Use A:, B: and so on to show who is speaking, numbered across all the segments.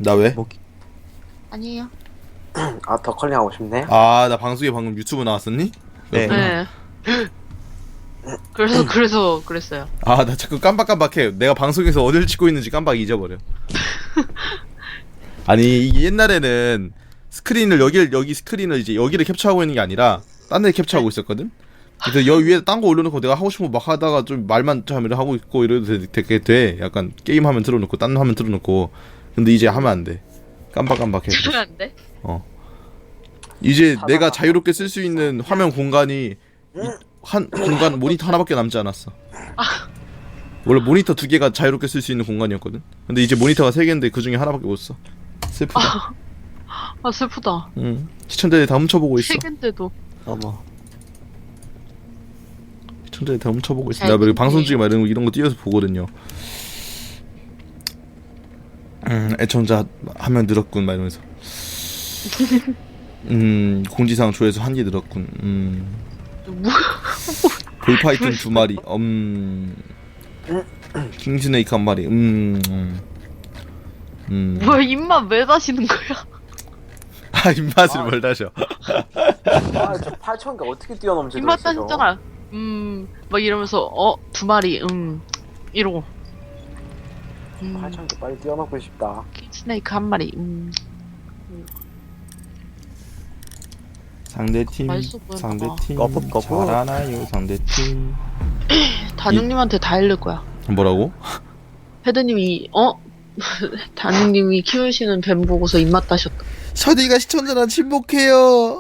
A: 나 왜?
B: 뭐,
C: 아니에요.
D: 아, 더 컬링 하고 싶네.
A: 아, 나 방송에 방금 유튜브 나왔었니?
B: 네.
C: 네. 그래서 그랬어요.
A: 아, 나 자꾸 깜박깜박해. 내가 방송에서 어딜 찍고 있는지 깜빡 잊어버려. 아니, 이게 옛날에는 스크린을 여기 스크린을 이제 여기를 캡처하고 있는 게 아니라 딴 데 캡처하고 있었거든. 그래서 여기 위에 딴 거 올려놓고 내가 하고 싶은 거 막 하다가 좀 말만 좀 하고 있고 이래도 되게 돼. 약간 게임 화면 틀어놓고 딴 화면 틀어놓고. 근데 이제 하면 안 돼. 깜박깜박해.
C: 들으면 안 돼?
A: 이제 내가 자유롭게 쓸 수 있는 화면 공간이 한 공간 모니터 하나밖에 남지 않았어. 원래 모니터 2개가 자유롭게 쓸 수 있는 공간이었거든. 근데 이제 모니터가 3개인데 그 중에 하나밖에 못 써. 슬프다.
C: 아 슬프다.
A: 응. 시청자들이 다 훔쳐보고 있어.
C: 시간대도.
B: 어머.
A: 시청자들이 다 훔쳐보고 있어.
C: 잘
A: 나 그리고
C: 보네.
A: 방송 중에 막 이런 거 띄워서 보거든요. 애청자 한 명 늘었군 막 이러면서. 공지사항 조회수 1개 늘었군.
C: 뭐?
A: 볼파이튼 2마리. 킹스네이크 1마리.
C: 뭐야 입맛 왜 다시는 거야?
A: 아, 입맛을 뭘 다셔.
D: 아, 저 8,000개 어떻게 뛰어넘지?
C: 입맛
D: 도대체 저거?
C: 다셨잖아. 막 이러면서 2마리 이러고.
D: 8,000개 빨리 뛰어넘고 싶다.
C: 킹스네이크 1마리.
A: 상대팀
C: 맛있어 보였나 봐.
A: 상대팀
B: 거품.
A: 잘하나요 상대팀.
C: 단육님한테 다 읽을 거야.
A: 뭐라고?
C: 헤드님이 단육님이 키우시는 뱀 보고서 입맛 다셨다.
A: 서디가 시청자랑 침묵해요.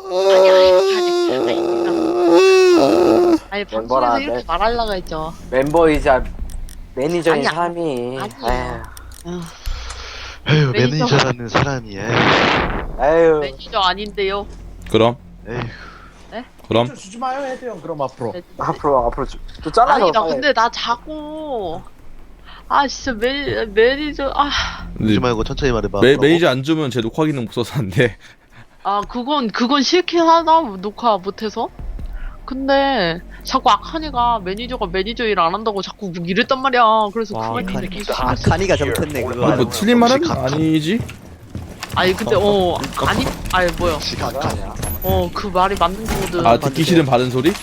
C: 아니
D: 멤버라,
C: 방송에서 이렇게
D: 네.
C: 말하려고 했죠.
D: 멤버이자 매니저인
C: 아니야.
D: 사람이.
C: 아니야.
E: 에휴,
C: 매니저.
E: 매니저라는 사람이, 에휴.
D: 에휴.
C: 매니저 아닌데요.
A: 그럼
E: 에휴.
A: 그럼
F: 주지 마요 헤드 형 그럼 앞으로.
D: 앞으로 또 잘라서.
C: 아니 나 근데 나 자꾸 진짜 매니저
E: 그러지 말고 천천히 말해봐.
A: 매니저 안 주면 제 녹화 기능 없어서 안 돼.
C: 그건 싫긴 하다 녹화 못해서. 근데 자꾸 아카니가 매니저가 매니저 일 안 한다고 자꾸 이랬단 말이야. 그래서
B: 와,
C: 그말 때문에 계속
B: 아, 카니가 잘못했네 그거.
A: 뭐 틀린 말은 아니지?
C: 아니 근데 뭐야
D: 아니야.
C: 그 말이 맞는 거거든.
A: 듣기 싫은 바른 소리?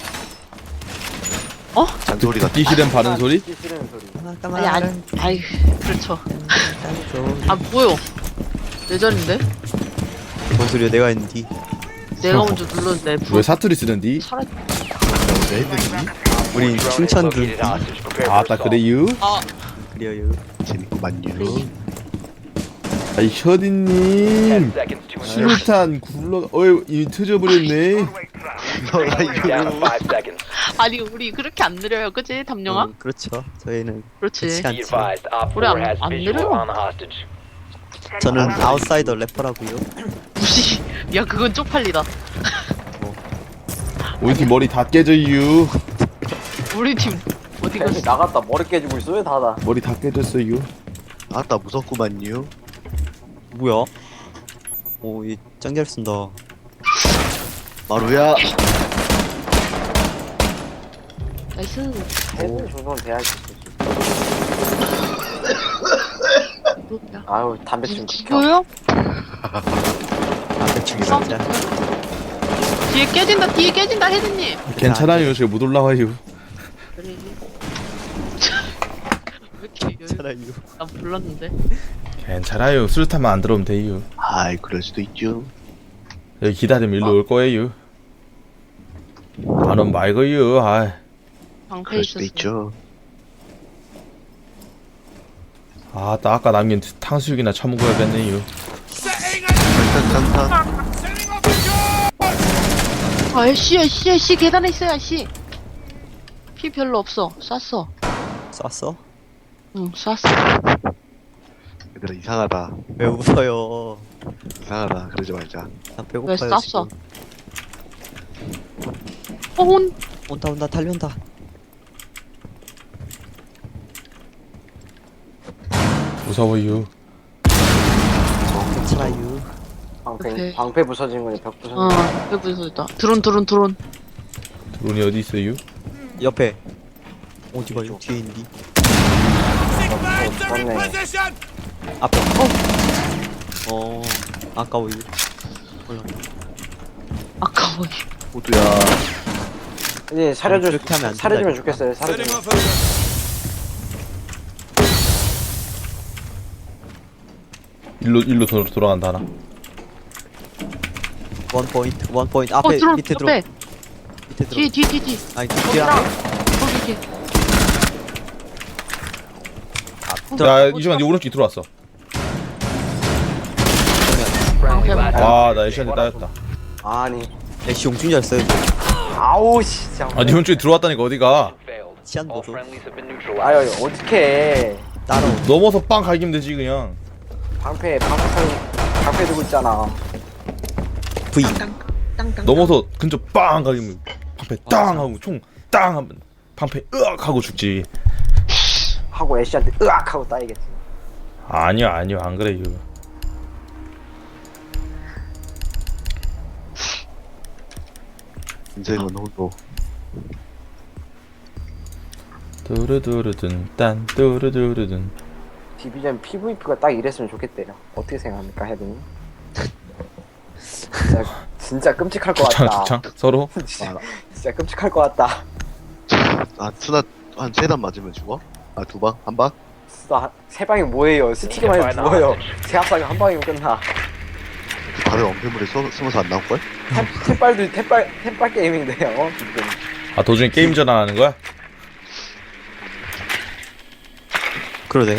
E: 잔소리 같은.
A: 듣기 싫은 바른 소리?
D: 듣기 싫은 소리.
C: 아니 그렇죠. 뭐요 내 자리인데
B: 뭔 소리야 내가 했는데.
C: 내가 먼저 눌렀는데
A: 왜 사투리 쓰는디?
C: 사라지.
E: 왜 했는지?
B: 우린 칭찬 들
A: 아따 그래유?
B: 그래요.
E: 재밌구만요.
A: 아이 셔디님 수류탄 굴러 이미 터져버렸네.
E: 너가 이거.
C: 아니 우리 그렇게 안 느려요 그치 담령아?
B: 그렇죠. 저희는
C: 그렇지.
B: 그렇지 않지.
C: 우리 안 느려.
B: 저는 아웃사이더 래퍼라고요.
C: 무시. 야 그건 쪽팔리다.
A: 우리 팀 머리 다 깨져유.
C: 우리 팀 어디
D: 뱀이
C: 갔어?
D: 나갔다 머리 깨지고 있어요 다다.
A: 머리 다 깨졌어요.
E: 아따, 무섭구만요.
B: 뭐야? 이 짱 잘 쓴다.
E: 마루야.
C: 나이스.
D: 헤드 정도는 돼야지.
C: 뭐야?
D: 아유 담배 좀 비켜.
C: 죽어요?
B: 담배 죽이 진짜.
C: 뒤에 깨진다 헤드님.
A: 괜찮아요. 제가 못 올라와요.
C: 그래. 왜 이렇게
B: 괜찮아요.
C: 난 불렀는데.
A: 괜찮아요. 수류탄만 안 들어오면 돼요.
E: 아이, 그럴 수도 있죠.
A: 여기 기다리면 일로 올 거예요. 안 오면 말고요.
C: 방패
E: 그럴 수도
C: 있었어.
E: 있죠.
A: 아따 아까 남긴 탕수육이나 처먹어야겠네요.
E: 탄탄탄탄.
C: 씨 계단에 있어요 씨. 피 별로 없어. 쐈어.
B: 쐈어?
C: 응 쐈어.
E: 얘들아, 이상하다.
B: 왜 웃어요?
E: 이상하다. 그러지 말자.
B: 나 배고파요.
C: 왜 쐈어?
B: 지금. 온다 달려온다.
A: 무서워요.
B: 괜찮아요.
C: 오케이.
D: 방패 부서진 거니 벽 부서진
C: 어
D: 거.
C: 여기 있다. 드론.
A: 드론이 어디 있어요?
B: 옆에. 어디 봐요? 뒤에 있니?
D: 죽었네.
B: 앞에. 아까워 이거. 올라.
C: 아까워.
E: 호두야.
D: 이제
B: 그렇게 하면 안
D: 사려주면
B: 된다니까.
D: 좋겠어요. 사려주면.
A: 일로 돌아간다 하나.
B: 원 포인트 앞에
C: 들어.
B: 밑에 들어.
C: 옆에.
B: 밑에 들어.
C: 뒤.
B: 아니
C: 거기
B: 뒤에
C: 있다.
B: 앞에.
C: 거기.
A: 야 이주만 네 오른쪽 들어왔어. 나 애쉬한테 따였다.
D: 아니.
B: 애쉬 용준 잘 써요.
D: 아우 씨. 진짜.
A: 네 오른쪽에 들어왔다니까 어디가?
B: 치안 보소.
D: 아유 어떡해.
B: 따로.
A: 넘어서 빵 갈기면 되지 그냥.
D: 방패 들고 있잖아.
B: V.
A: 넘어서 근처 빵 갈기면 방패 땅 하고 총 땅 하면 방패 으악 하고 죽지.
D: 하고 애쉬한테 으악 하고 따이겠지.
A: 아니요 안 그래 이거.
E: 인생은 호두.
A: 두루두루든 딴 두루두루든.
D: 디비전 PVP가 딱 이랬으면 좋겠대요. 어떻게 생각합니까, 헤드님? 진짜 끔찍할 것 같다.
A: 주창 서로.
D: 진짜 끔찍할 것 같다.
E: 스나 한 3단 맞으면 죽어? 아 2방? 1방?
D: 진짜 세 방이 뭐예요? 스틱만 해도 죽어요. 제 합사가 한 방이면 끝나.
E: 다들 엄폐물에 숨어서 안 나올걸?
D: 템빨 게임인데요, 지금.
A: 아 도중에 게임 전환하는 거야?
B: 그러네.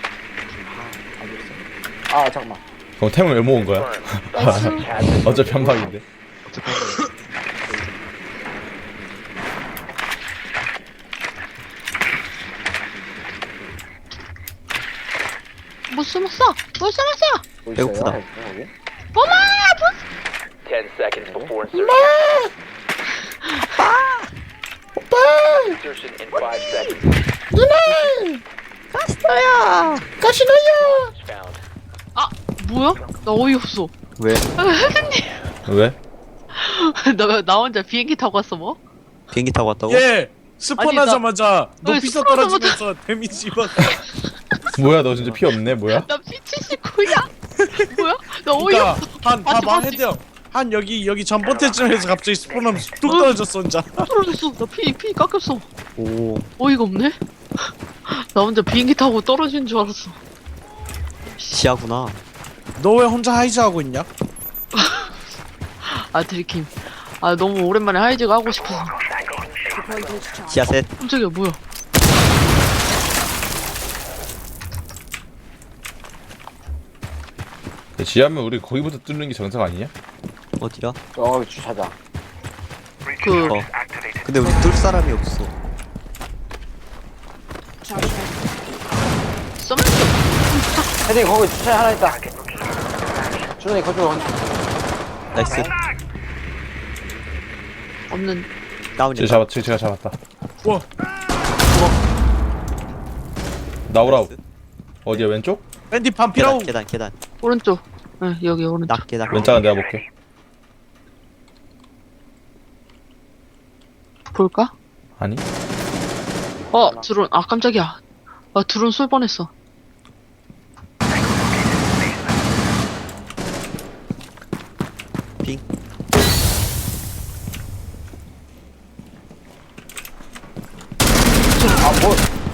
D: 아, 잠깐만.
A: 그럼 템을 왜 모은 거야? 어차피 한 방인데.
E: 어차피
C: 못 숨었어.
D: 뭐 있어요?
B: 배고프다.
D: 여기?
F: 10 seconds before insertion. Insertion in 5 seconds. Found.
C: 아 뭐야? 나 어이없어.
B: 왜?
A: 왜?
C: 나 혼자 비행기 타고 왔어 뭐?
B: 비행기 타고 왔다고?
G: 예! 스폰하자마자
C: 왜
G: 높이서
C: 스폰하자마자-
G: 떨어지면서 데미지 받
A: 뭐야 너 진짜 피 없네 뭐야?
C: 나 P79야? 뭐야? 나
G: 그니까
C: 어이없어.
G: 한
C: 맞지,
G: 봐봐
C: 맞지.
G: 헤드형 한 여기 전봇대쯤에서 갑자기 스폰하면서 뚝 떨어졌어 혼자.
C: 떨어졌어. 나 피 깎였어.
B: 오.
C: 어이가 없네. 나 혼자 비행기 타고 떨어지는 줄 알았어.
B: 시야구나.
G: 너 왜 혼자 하이즈 하고 있냐?
C: 아 들킴. 아 너무 오랜만에 하이즈가 하고 싶어서.
B: 시야 셋.
C: 깜짝이야 뭐야?
A: 지하면 우리 거기부터 뚫는 게 정상 아니냐?
B: 어디야?
D: 주차장.
C: 그
B: 근데 우리 뚫 사람이 없어.
C: 썸
D: 헤드님, 거기 주차장 하나 있다. 준호님, 거쪽으로
B: 나이스.
C: 없는.
B: 다운이다.
A: 제가 잡았다.
G: 우와
A: 나오라고. 어디야 왼쪽?
G: 밴디 반피라우.
B: 계단.
C: 오른쪽. 응 여기 오른쪽.
B: 낙계.
A: 왼쪽은 내가 볼게.
C: 볼까?
A: 아니?
C: 드론. 아 깜짝이야. 아 드론 쏠 뻔했어.
B: 핑.
D: 뭐.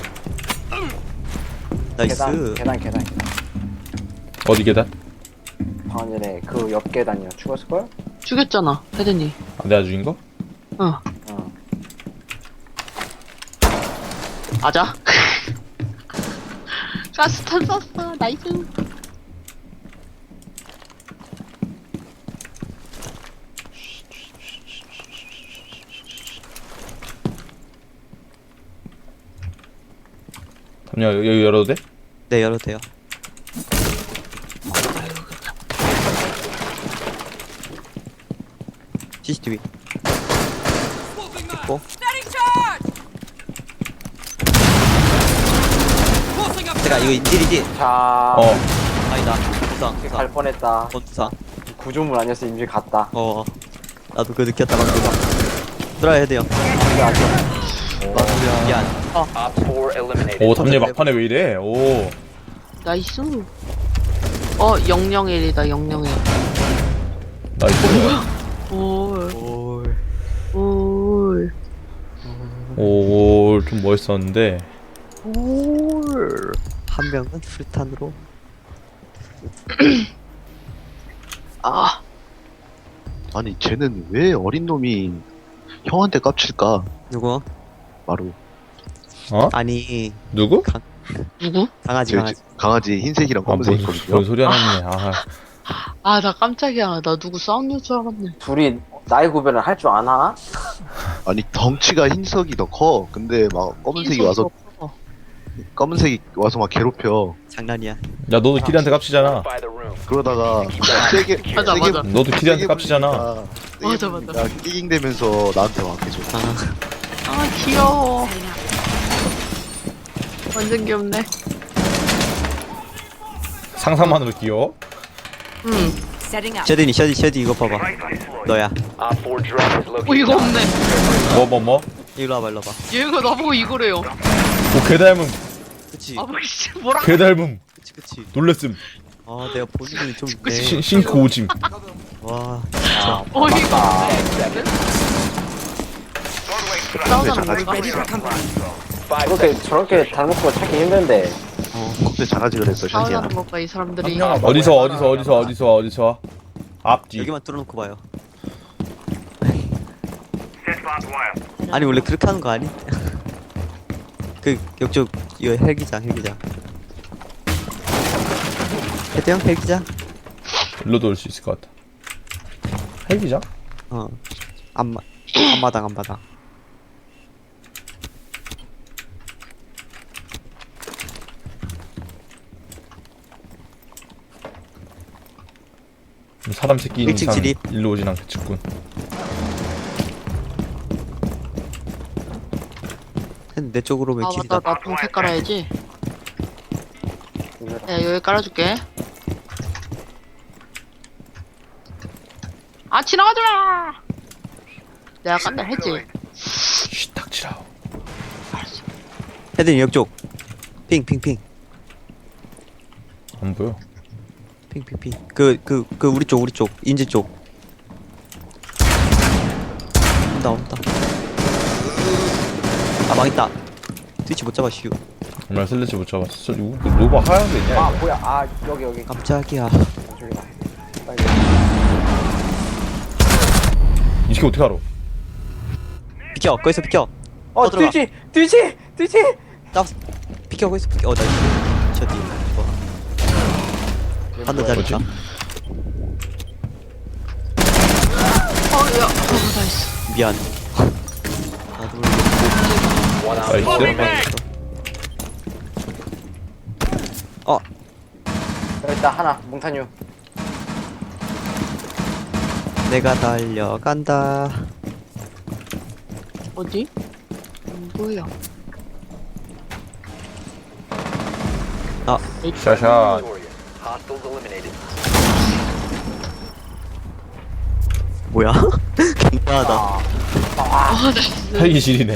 B: 나이스.
D: 계단.
A: 어디 계단?
D: 방금 전에 그 옆 계단이요. 죽었을걸?
C: 죽였잖아 헤드니.
A: 아, 내가 죽인 거?
C: 어.
D: 어.
C: 맞아. 가스탄 썼어. 나이스.
A: 잠시만 여기 열어도 돼?
B: 네, 열어도 돼요. CCTV. 있고. 제가 이거 인질이지?
D: 자,
B: 아니다. 부상.
D: 갈 뻔했다.
B: 부상.
D: 구조물 아니었어 임실 갔다.
B: 나도 그거 느꼈다 방금. 들어야 돼요. 미안.
F: Op 4 eliminated.
A: 오 담요 막판에 왜 이래? 오.
C: 나이스. 001이다 001.
A: 나이스.
C: 올.
B: 올.
C: 올.
A: 좀 멋있었는데.
C: 올.
B: 한 명은 풀탄으로.
C: 아.
E: 아니 쟤는 왜 어린 놈이 형한테 깝칠까?
B: 누구?
E: 마루.
B: 아니
A: 누구?
C: 누구?
B: 강아지
E: 저
B: 강아지.
E: 강아지 흰색이랑 검은색
A: 뭔
E: 있거든요.
A: 소리 하나 했네.
C: 아, 나 깜짝이야. 나 누구 싸우는 줄 알았네.
D: 둘이 나이 구별을 할 줄 아나?
E: 아니 덩치가 흰색이 더 커. 근데 막 검은색이 와서 막 괴롭혀.
B: 장난이야.
A: 야, 너도 키리한테 깝치잖아.
F: By the room.
E: 그러다가 세게
C: 맞아, 맞아.
A: 너도 키리한테 깝치잖아.
C: 맞아, 맞아.
E: 끼깅대면서 나한테 와 계속.
C: 아, 귀여워. 완전 귀엽네.
A: 상상만으로 귀여워?
B: 셔딘이 셔디 이거 봐봐. 너야.
F: Op 4 drone is located.
C: 이거 없네.
A: 뭐?
B: 일로 와봐 일로 와봐.
C: 얘가 나보고 이거래요.
A: 오, 개 닮음.
B: 그치
C: 아, 씨, 뭐라?
A: 개 닮음.
B: 그치.
A: 놀랬음.
B: 아 내가 보는 눈이 좀 있네.
A: 싱크 오짐.
B: 와.
C: 어이가 없네. 싸우자는
E: 장아지
C: 건가?
D: 그렇게 저렇게 닮은 거 찾기 힘든데.
E: 컵대 장아지 그랬어 션지야.
C: 싸우자는 건가, 이 사람들이.
A: 어디서? 앞뒤.
B: 여기만 뚫어놓고 봐요. 아니 원래 그렇게 하는 거 아니? 그 옆쪽 이거 헬기장. 해대형 헬기장?
A: 일로도 올 수 있을 것 같아. 헬기장?
B: 앞마당.
A: 사람 새끼 있는
B: 일찍
A: 이상
B: 진입.
A: 일로 오진 않겠지군.
B: 내 쪽으로 왜
C: 아,
B: 길이다.
C: 맞다. 나 동태 깔아야지. 야, 여기 깔아줄게. 아, 지나가지 마! 내가 깐다 했지.
A: 쉬, 닥치라.
B: 헤드님 옆쪽. 핑.
A: 안 보여.
B: 핑. 그 우리 쪽 인지 쪽. 온다. 아 망했다. 트위치 못 잡아 슈.
A: 정말 슬래치 못 잡았어. 이거 노바 하얀 거 있냐?
D: 아
A: 이거?
D: 뭐야? 아 여기.
B: 깜짝이야.
D: 저기다. 빨리.
A: 이 새끼 어떻게 알아?
B: 비켜. 거기서 비켜. 들어가.
D: 뒤지.
B: 나 비켜 거기서 비켜. 나이스. 저기. 한대 잘했다.
C: 야, 나이스.
B: 미안. 나도
F: One op
A: 나이스.
D: 여기 있다 하나 몽타뉴.
B: 내가 달려간다.
C: 어디? 안 보여.
A: 샤샤.
F: Victoria. Hostiles eliminated.
B: 뭐야? 굉장하다.
C: 아, 나이스.
A: 헬기실이네.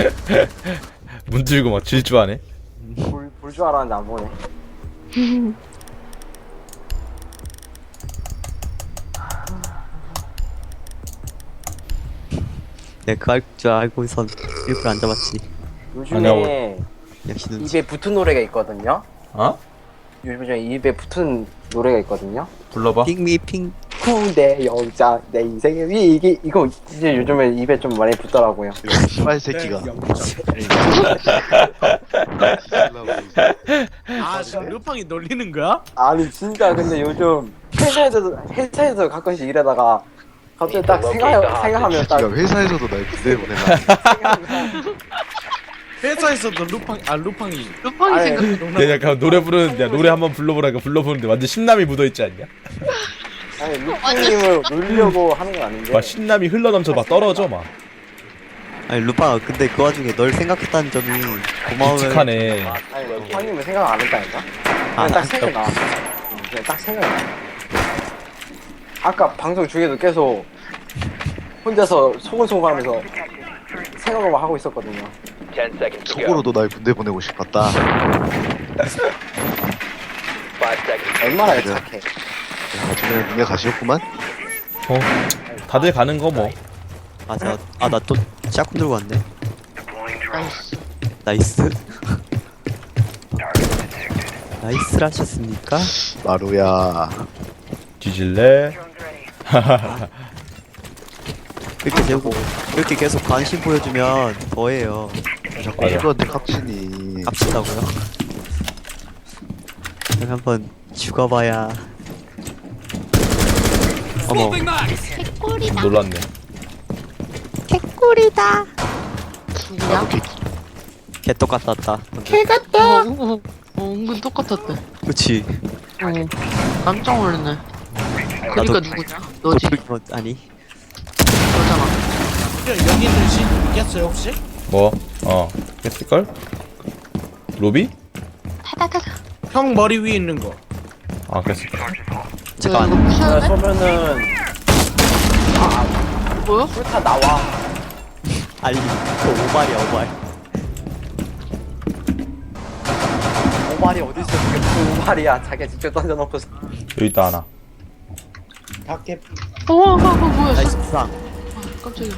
A: 문 들고 막 질주하네.
D: 볼 줄 알았는데 안 보네.
B: 내가 그거 할 줄 알고선 일부러 안 잡았지.
D: 요즘에
B: 역시 눈치.
D: 입에 붙은 노래가 있거든요.
A: 어?
D: 요즘에 입에 붙은 노래가 있거든요.
A: 불러봐.
B: 핑미 핑.
D: 군대 영장 내 인생의 위기 이거 이제 요즘에 입에 좀 많이 붙더라고요.
E: 씨발 새끼가.
G: 아 지금 루팡이 놀리는 거야?
D: 아니 진짜 근데 요즘 회사에서 가끔씩 일하다가 갑자기 딱 생각하면 딱
E: 야 회사에서도 날 부대 보내나.
G: 회사에서도 루팡이
C: 루팡이
D: 아니,
C: 생각.
A: 내가 약간 노래 부르는데 노래 한번 불러보라니까 불러보는데 완전 신남이 묻어있지 않냐?
D: 아니 루팡님을 놀리려고 하는 건 아닌데
A: 막 신남이 흘러넘쳐 막 떨어져 막.
B: 아니 루파 근데 그 와중에 널 생각했다는 점이 고마워요.
A: 묵직하네.
D: 아니 루팡님을 생각 안 했다니까.
B: 아,
D: 그냥 딱 생각나. 그냥 딱 생각나. 아까 방송 중에도 계속 혼자서 소곤소곤하면서 생각을 하고 있었거든요.
F: 10 seconds to go.
E: 속으로도 날 군대 보내고 싶었다.
F: seconds.
D: 얼마나 착해.
E: 나중에 눈에 가시었구만.
A: 다들 가는 거 뭐.
B: 맞아. 아, 나 또 짝꿍 들고 왔네.
C: 나이스.
B: 나이스. 나이스를 하셨습니까?
E: 마루야.
A: 뒤질래?
B: 이렇게 계속 관심 보여주면 더해요.
E: 자꾸
A: 맞아.
E: 이거한테 깝치니.
B: 깝친다고요? 그럼 한번 죽어봐야. 어머,
A: 놀랐네.
C: 누구야?
B: 개떡 같다 왔다.
C: 은근 똑같았대.
B: 그치.
C: 깜짝 놀랐네. 그니까
B: 나도-
C: 누구냐? 너지.
B: 아니.
C: 너잖아.
G: 여기 있는 신 이겼어요 혹시?
A: 뭐? 했을걸? 로비?
G: 형 머리 위에 있는 거.
A: 그랬을걸.
B: 제가
C: 이거
B: 안.
C: 부셔야 돼?
D: 쏘면은
C: 뭐야?
D: 불타 나와.
B: 아니, 그 오발이야, 오발.
D: 오발이 어디 있어? 그게 무슨 오발이야? 자기가 직접 던져놓고.
A: 여기 있다 하나.
C: 뭐야?
B: 나이스 부상.
C: 깜짝이야.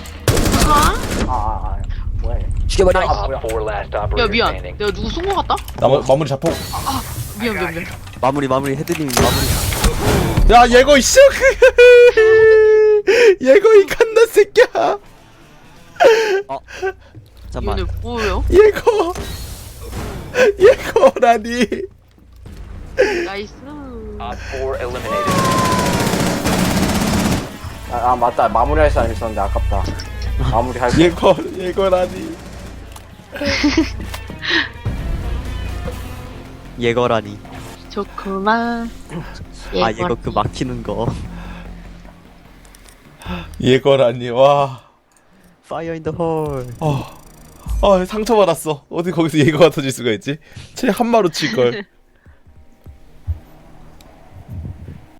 D: 뭐야?
B: 죽여버려.
F: Op 4 last operator
C: 야 미안.
F: standing.
C: 내가 누구 쏜 거 같다?
A: 마무리 자폭.
C: 미안.
B: 마무리, 헤드님 마무리.
A: 야 얘거 이씨. 얘거 이 갓나 새끼야.
B: 잠깐만.
C: 이거는 뭐예요?
A: 얘거라니.
C: 나이스.
F: Op 4 eliminated.
D: 맞다. 마무리할 사람 있었는데 아깝다. 마무리할 거.
A: 얘거라니.
B: 예거라니.
C: 좋구만.
B: 아, 얘거 그 막히는 거.
A: 얘거라니. 와.
B: Fire in the hole.
A: 상처받았어. 어디 거기서 얘거가 터질 수가 있지? 쟤 한마로 칠걸.